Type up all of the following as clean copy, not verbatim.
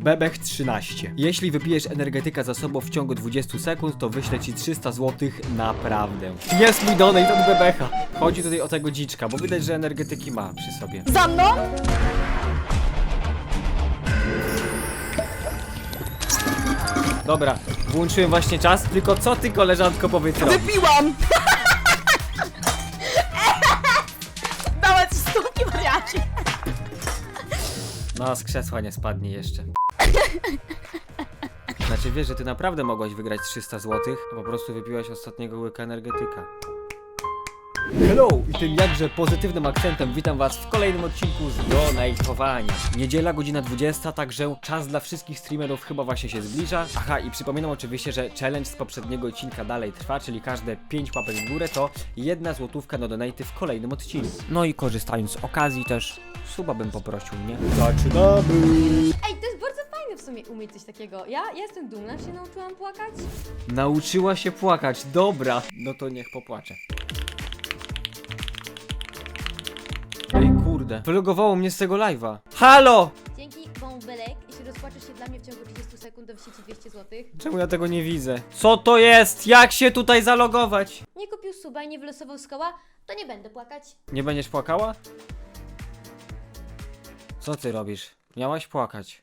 Bebech 13. Jeśli wypijesz energetyka za sobą w ciągu 20 sekund, to wyślę ci 300 zł naprawdę. Jest mój donate od Bebecha. Chodzi tutaj o tego dziczka, bo widać, że energetyki ma przy sobie. Za mną? Dobra, włączyłem właśnie czas, tylko co ty, koleżanko, powiedz robisz? Wypiłam! Dałem ci stópki, wariacie! No, z krzesła nie spadnie jeszcze. Znaczy wiesz, że ty naprawdę mogłaś wygrać 300 zł, a po prostu wypiłaś ostatniego łyka energetyka. Hello! I tym jakże pozytywnym akcentem witam was w kolejnym odcinku z donate'owania. Niedziela, godzina 20, także czas dla wszystkich streamerów chyba właśnie się zbliża. Aha, i przypominam oczywiście, że challenge z poprzedniego odcinka dalej trwa, czyli każde 5 łapek w górę to 1 złotówka na donate'y w kolejnym odcinku. No i korzystając z okazji też, suba bym poprosił, nie? Zaczynamy! Ej, to jest bardzo fajne w sumie umieć coś takiego. Ja jestem dumna, że się nauczyłam płakać. Nauczyła się płakać, dobra. No to niech popłacze. Ej kurde, wylogowało mnie z tego live'a. Halo! Dzięki bąbelek, jeśli rozpłaczesz się dla mnie w ciągu 30 sekund, to wyślę ci 200 zł. Czemu ja tego nie widzę? Co to jest? Jak się tutaj zalogować? Nie kupił suba i nie wylosował z koła, to nie będę płakać. Nie będziesz płakała? Co ty robisz? Miałaś płakać.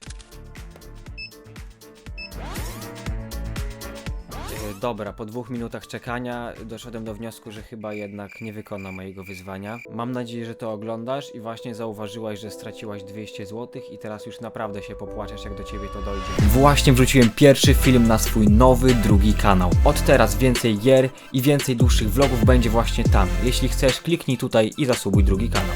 Dobra, po 2 minutach czekania doszedłem do wniosku, że chyba jednak nie wykona mojego wyzwania. Mam nadzieję, że to oglądasz i właśnie zauważyłaś, że straciłaś 200 zł i teraz już naprawdę się popłaczesz, jak do ciebie to dojdzie. Właśnie wrzuciłem pierwszy film na swój nowy, drugi kanał. Od teraz więcej gier i więcej dłuższych vlogów będzie właśnie tam. Jeśli chcesz, kliknij tutaj i zasubuj drugi kanał.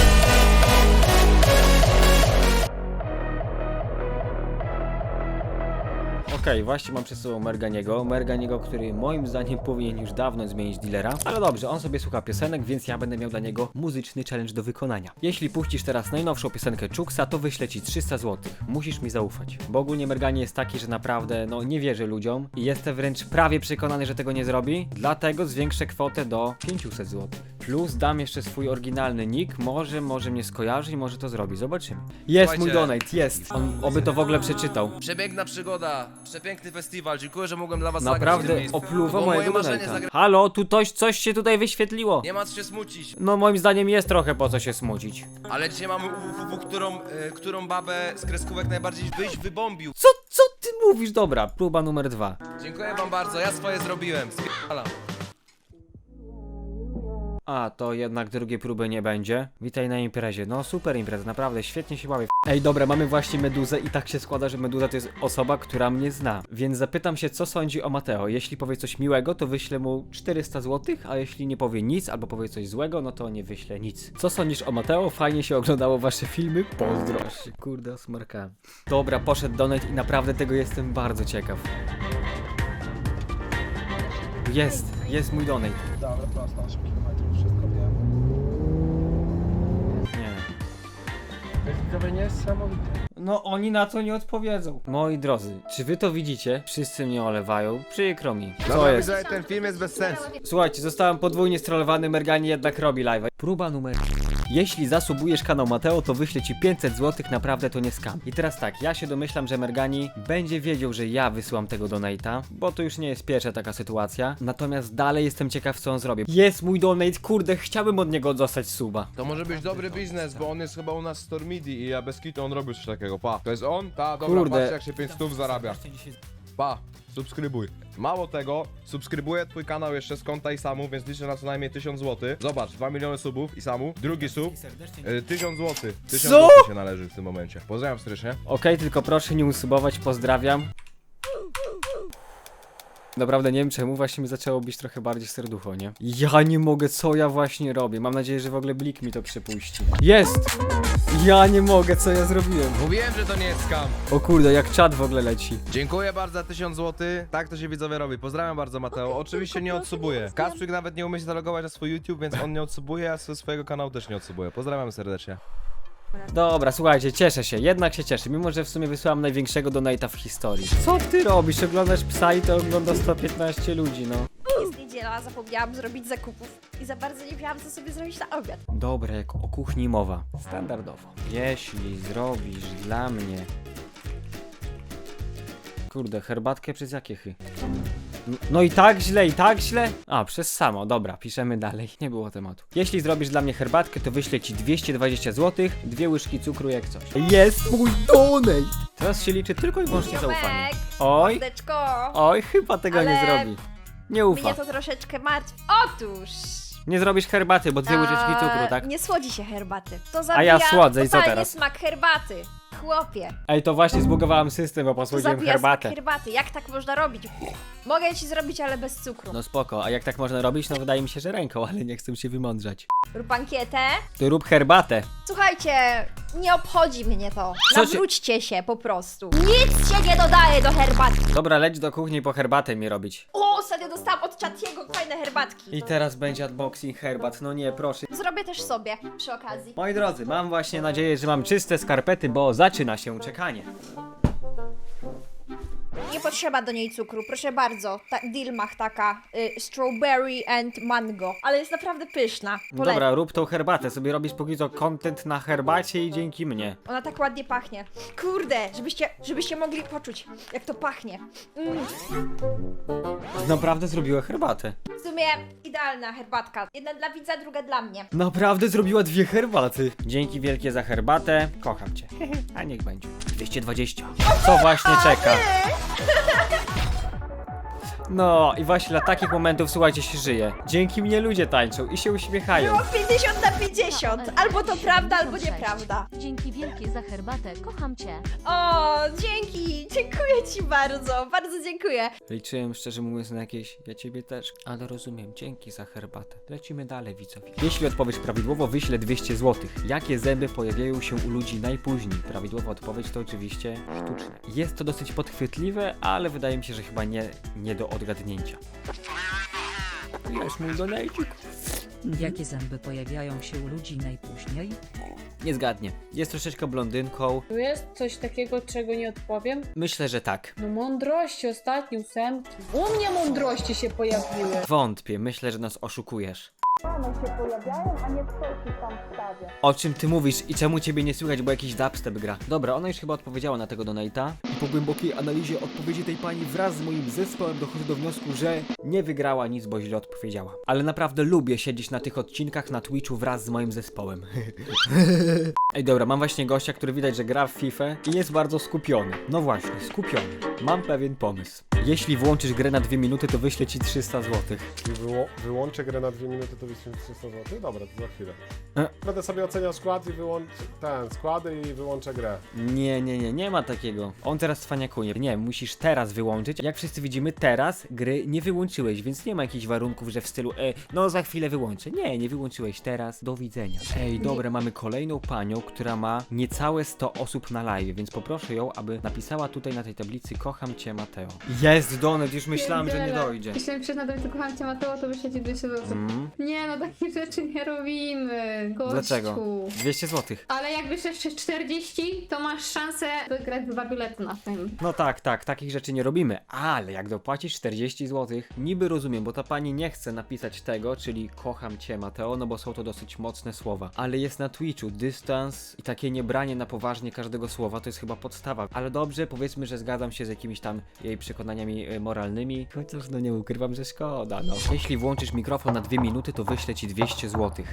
Okej, właśnie mam przed sobą Merganiego, który moim zdaniem powinien już dawno zmienić dealera. Ale dobrze, on sobie słucha piosenek, więc ja będę miał dla niego muzyczny challenge do wykonania. Jeśli puścisz teraz najnowszą piosenkę Czuksa, to wyślę ci 300 zł. Musisz mi zaufać. Bo ogólnie Mergani jest taki, że naprawdę, nie wierzy ludziom i jestem wręcz prawie przekonany, że tego nie zrobi. Dlatego zwiększę kwotę do 500 zł. Plus dam jeszcze swój oryginalny nick, może mnie skojarzy i może to zrobi. Zobaczymy. Jest mój donate, jest. On oby to w ogóle przeczytał. Przepiękna przygoda, przepiękny festiwal, dziękuję, że mogłem dla was zagrać w Naprawdę tym miejscu. opluwa Bo mojego moje marzenie donate'a. Halo, tu coś się tutaj wyświetliło. Nie ma co się smucić, No moim zdaniem jest trochę po co się smucić. ale dzisiaj mamy którą babę z kreskówek najbardziej byś wybombił. Co ty mówisz? Dobra, próba numer 2. Dziękuję wam bardzo, ja swoje zrobiłem. Spierdalam. A, to jednak drugiej próby nie będzie. Witaj na imprezie. No super impreza, naprawdę świetnie się bawię. Ej, dobra, mamy właśnie Meduzę i tak się składa, że Meduza to jest osoba, która mnie zna. Więc zapytam się, co sądzi o Mateo. Jeśli powie coś miłego, to wyślę mu 400 zł, a jeśli nie powie nic albo powie coś złego, no to nie wyślę nic. Co sądzisz o Mateo? Fajnie się oglądało wasze filmy? Pozdro. Kurde, osmarkałem. Dobra, poszedł donate i naprawdę tego jestem bardzo ciekaw. Jest mój donate. Dobra, prosto, 8 km, wszystko wiem. Nie. Widzowie niesamowite. No oni na to nie odpowiedzą. Moi drodzy, czy wy to widzicie? Wszyscy mnie olewają. Przykro mi. Co jest? Widzowie, ten film jest bez sensu. Słuchajcie, zostałem podwójnie strollowany, Mergani jednak robi live'a. Próba numer... Jeśli zasubujesz kanał Mateo, to wyślę ci 500 zł, naprawdę to nie skam. I teraz tak, ja się domyślam, że Mergani będzie wiedział, że ja wysyłam tego donate'a, bo to już nie jest pierwsza taka sytuacja. Natomiast dalej jestem ciekaw, co on zrobi. Jest mój donate, kurde, chciałbym od niego dostać suba. To może być dobry biznes, bo on jest chyba u nas z Stormidi i ja bez kitu on robił coś takiego, pa. To jest on? Ta, dobra, Kurde. patrz jak się 500 zarabia. Pa, subskrybuj. Mało tego, subskrybuję twój kanał jeszcze z konta Isamu, więc liczę na co najmniej 1000 zł. Zobacz, 2 miliony subów Isamu, drugi sub, 1000 zł. 1000 Co? zł się należy w tym momencie. Pozdrawiam serdecznie. Okej, tylko proszę nie usubować, pozdrawiam. Naprawdę nie wiem czemu, właśnie mi zaczęło bić trochę bardziej serducho, nie? Ja nie mogę, co ja właśnie robię. Mam nadzieję, że w ogóle Blik mi to przypuści. Jest! Ja nie mogę, co ja zrobiłem. Mówiłem, że to nie jest skam. O kurde, jak czat w ogóle leci. Dziękuję bardzo za 1000 zł, tak to się widzowie robi. Pozdrawiam bardzo Mateo, oczywiście nie odsubuję. Kasprzyk nawet nie umie się zalogować na swój YouTube, więc on nie odsubuje, a ze swojego kanału też nie odsubuję. Pozdrawiam serdecznie. Dobra, słuchajcie, cieszę się, jednak się cieszę, mimo że w sumie wysłałem największego donate'a w historii. Co ty robisz? Oglądasz psa i to ogląda 115 ludzi, no. Jest niedziela, zapomniałam zrobić zakupów i za bardzo nie wiedziałam, co sobie zrobić na obiad. Dobra, jak o kuchni mowa. Standardowo. Jeśli zrobisz dla mnie Kurde, herbatkę przez jakie chy? No i tak źle, i tak źle? A, przez samo, dobra, piszemy dalej, nie było tematu. Jeśli zrobisz dla mnie herbatkę, to wyślę ci 220 zł, 2 łyżki cukru jak coś. Jest mój donate! Teraz się liczy tylko i wyłącznie zaufanie. Ziomek, Oj, mordeczko. oj, chyba tego nie Ale zrobi. Nie ufa. Mnie to troszeczkę martwi. Otóż... Nie zrobisz herbaty, bo 2 łyżeczki cukru, tak? Nie słodzi się herbaty. To A zabija ja słodzę i co totalnie teraz? smak herbaty. Chłopie, Ej, to właśnie zbugowałem system, bo to posłodziłem zabija herbatę. smak herbaty. Jak tak można robić? Mogę ci zrobić, ale bez cukru. No spoko, a jak tak można robić? No wydaje mi się, że ręką, ale nie chcę się wymądrzać. Rób ankietę. To rób herbatę. Słuchajcie, nie obchodzi mnie to. Co ci- Nawróćcie się po prostu. Nic się nie dodaje do herbaty. Dobra, leć do kuchni po herbatę mi robić. O, ostatnio dostałam od Chatiego fajne herbatki. I teraz będzie unboxing herbat, no nie, proszę. Zrobię też sobie przy okazji. Moi drodzy, mam właśnie nadzieję, że mam czyste skarpety, bo zaczyna się czekanie. Nie potrzeba do niej cukru, proszę bardzo. Dilmach taka, strawberry and mango. Ale jest naprawdę pyszna. Polecam. Dobra, rób tą herbatę, sobie robisz póki co content na herbacie i dzięki mnie. Ona tak ładnie pachnie. Kurde, żebyście mogli poczuć, jak to pachnie. Naprawdę zrobiła herbatę. W sumie idealna herbatka. Jedna dla widza, druga dla mnie. Naprawdę zrobiła 2 herbaty. Dzięki wielkie za herbatę, kocham cię. A niech będzie. 220. Co właśnie czeka? No i właśnie dla takich momentów, słuchajcie, się żyje. Dzięki mnie ludzie tańczą i się uśmiechają. Było 50 na 50. Albo to prawda, albo nieprawda. Dzięki wielkie za herbatę, kocham cię. O, dzięki. Dziękuję ci bardzo. Bardzo dziękuję. Liczyłem szczerze mówiąc na jakieś, ja ciebie też, ale rozumiem, dzięki za herbatę. Lecimy dalej, widzowie. Jeśli odpowiesz prawidłowo, wyślę 200 zł. Jakie zęby pojawiają się u ludzi najpóźniej? Prawidłowa odpowiedź to oczywiście sztuczne. Jest to dosyć podchwytliwe, ale wydaje mi się, że chyba nie do odgadnięcia. Jest mój donajcik. Jakie zęby pojawiają się u ludzi najpóźniej? Nie zgadnie. Jest troszeczkę blondynką. Tu jest coś takiego, czego nie odpowiem? Myślę, że tak. No mądrości, ostatni ósemki. U mnie mądrości się pojawiły. Wątpię, myślę, że nas oszukujesz. O czym ty mówisz i czemu ciebie nie słychać, bo jakiś dubstep gra? Dobra, ona już chyba odpowiedziała na tego donate'a. I po głębokiej analizie odpowiedzi tej pani wraz z moim zespołem dochodzę do wniosku, że nie wygrała nic, bo źle odpowiedziała. Ale naprawdę lubię siedzieć na tych odcinkach na Twitchu wraz z moim zespołem. Ej, dobra, mam właśnie gościa, który widać, że gra w FIFA i jest bardzo skupiony. No właśnie, skupiony. Mam pewien pomysł. Jeśli włączysz grę na 2 minuty, to wyślę ci 300 zł. Wyłączę grę na 2 minuty, to wyślę 300 zł. Dobra, to za chwilę. E. Będę sobie oceniał skład i składy i wyłączę grę. Nie ma takiego. On teraz cwaniakuje. Nie, musisz teraz wyłączyć. Jak wszyscy widzimy, teraz gry nie wyłączyłeś, więc nie ma jakichś warunków, że w stylu no za chwilę wyłączę. Nie wyłączyłeś teraz. Do widzenia. Ej, dobra, mamy kolejną panią, która ma niecałe 100 osób na live, więc poproszę ją, aby napisała tutaj na tej tablicy kocham cię, Mateo. Jest donet, już myślałem, że nie dojdzie. Jeśli napiszesz na tablicy kocham cię, Mateo, to wyślę ci 200 zł. Nie no, takich rzeczy nie robimy, gościu. Dlaczego? 200 zł. Ale jak wyślesz 40, to masz szansę wygrać 2 bilety na tym. No tak, takich rzeczy nie robimy, ale jak dopłacisz 40 zł, niby rozumiem, bo ta pani nie chce napisać tego, czyli kocham cię, Mateo, no bo są to dosyć mocne słowa, ale jest na Twitchu dystans i takie niebranie na poważnie każdego słowa to jest chyba podstawa, ale dobrze, powiedzmy, że zgadzam się z jakimiś tam jej przekonaniami moralnymi, chociaż no nie ukrywam, że szkoda, no. Jeśli włączysz mikrofon na 2 minuty, to wyślę ci 200 zł.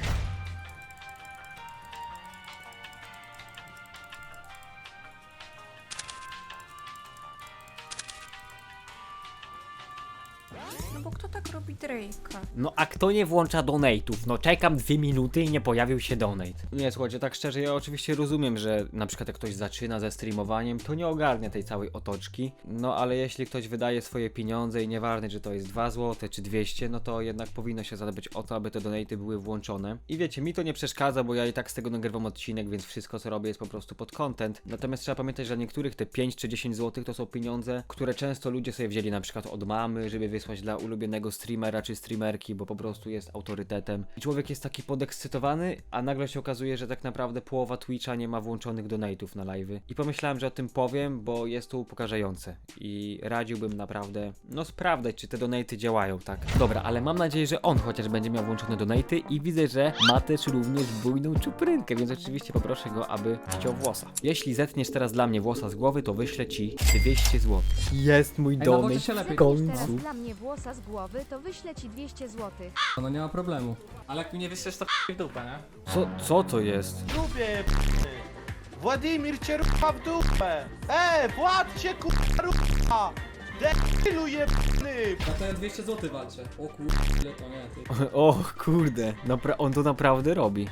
No bo kto tak robi Drake'a? No a kto nie włącza donate'ów? No czekam 2 minuty i nie pojawił się donate. Nie, słuchajcie, tak szczerze, ja oczywiście rozumiem, że na przykład jak ktoś zaczyna ze streamowaniem, to nie ogarnia tej całej otoczki. No ale jeśli ktoś wydaje swoje pieniądze i nieważne, czy to jest 2 zł czy 200, no to jednak powinno się zadbać o to, aby te donate'y były włączone. I wiecie, mi to nie przeszkadza, bo ja i tak z tego nagrywam odcinek, więc wszystko co robię jest po prostu pod content. Natomiast trzeba pamiętać, że dla niektórych te 5 czy 10 zł to są pieniądze, które często ludzie sobie wzięli na przykład od mamy, żeby wysłać wykonać dla ulubionego streamera czy streamerki, bo po prostu jest autorytetem. I człowiek jest taki podekscytowany, a nagle się okazuje, że tak naprawdę połowa Twitcha nie ma włączonych donate'ów na live'y. I pomyślałem, że o tym powiem, bo jest to upokarzające. I radziłbym naprawdę, no sprawdzać, czy te donate'y działają, tak. Dobra, ale mam nadzieję, że on chociaż będzie miał włączone donate'y i widzę, że ma też również bujną czuprynkę, więc oczywiście poproszę go, aby ściął włosa. Jeśli zetniesz teraz dla mnie włosa z głowy, to wyślę ci 200 zł. Jest mój donate w końcu. Dla mnie włosa z głowy, to wyślę ci 200 zł. No nie ma problemu. Ale jak mi nie wyślesz, to w dupę, nie? Co to jest? Dupie, Władimir cię rucha w dupę! Władcie rucha! Debilu jebny! No to ja 200 zł walczę. O ile to nie, ty. O kurde, on to naprawdę robi.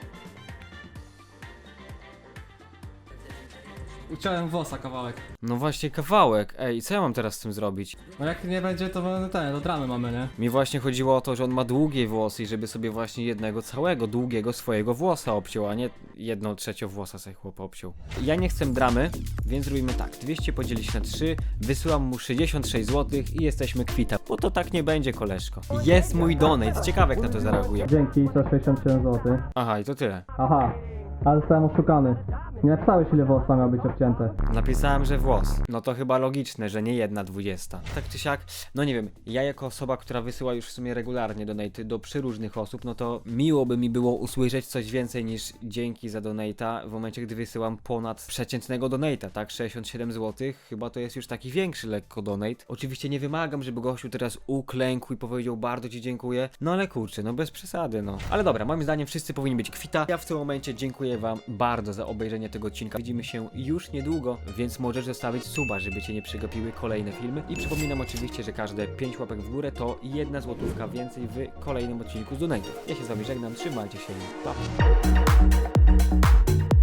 Uciąłem włosa kawałek. No właśnie kawałek, ej, co ja mam teraz z tym zrobić? No jak nie będzie, to do dramy mamy, nie? Mi właśnie chodziło o to, że on ma długie włosy i żeby sobie właśnie jednego całego, długiego swojego włosa obciął, a nie 1/3 włosa sobie chłop obciął. Ja nie chcę dramy, więc robimy tak, 200 podzielić na 3, wysyłam mu 66 zł i jesteśmy kwita, bo to tak nie będzie, koleżko. Jest mój donate, ciekawe jak na to zareaguje. Dzięki za 67 zł. Aha, i to tyle. Aha, ale zostałem oszukany. Nie napisałeś ile włosa miał być obcięte. Napisałem, że włos. No to chyba logiczne, że nie 1/20. Tak czy siak, no nie wiem, ja jako osoba, która wysyła już w sumie regularnie donaty do przeróżnych osób, no to miło by mi było usłyszeć coś więcej niż dzięki za donata w momencie, gdy wysyłam ponad przeciętnego donata, tak? 67 zł, chyba to jest już taki większy lekko donate. Oczywiście nie wymagam, żeby gościu teraz uklękł i powiedział bardzo ci dziękuję, no ale kurczę, no bez przesady, no. Ale dobra, moim zdaniem wszyscy powinni być kwita. Ja w tym momencie dziękuję wam bardzo za obejrzenie tego odcinka. Widzimy się już niedługo, więc możesz zostawić suba, żeby cię nie przegapiły kolejne filmy. I przypominam oczywiście, że każde 5 łapek w górę to 1 złotówka więcej w kolejnym odcinku z Donate'ów. Ja się z wami żegnam, trzymajcie się, pa!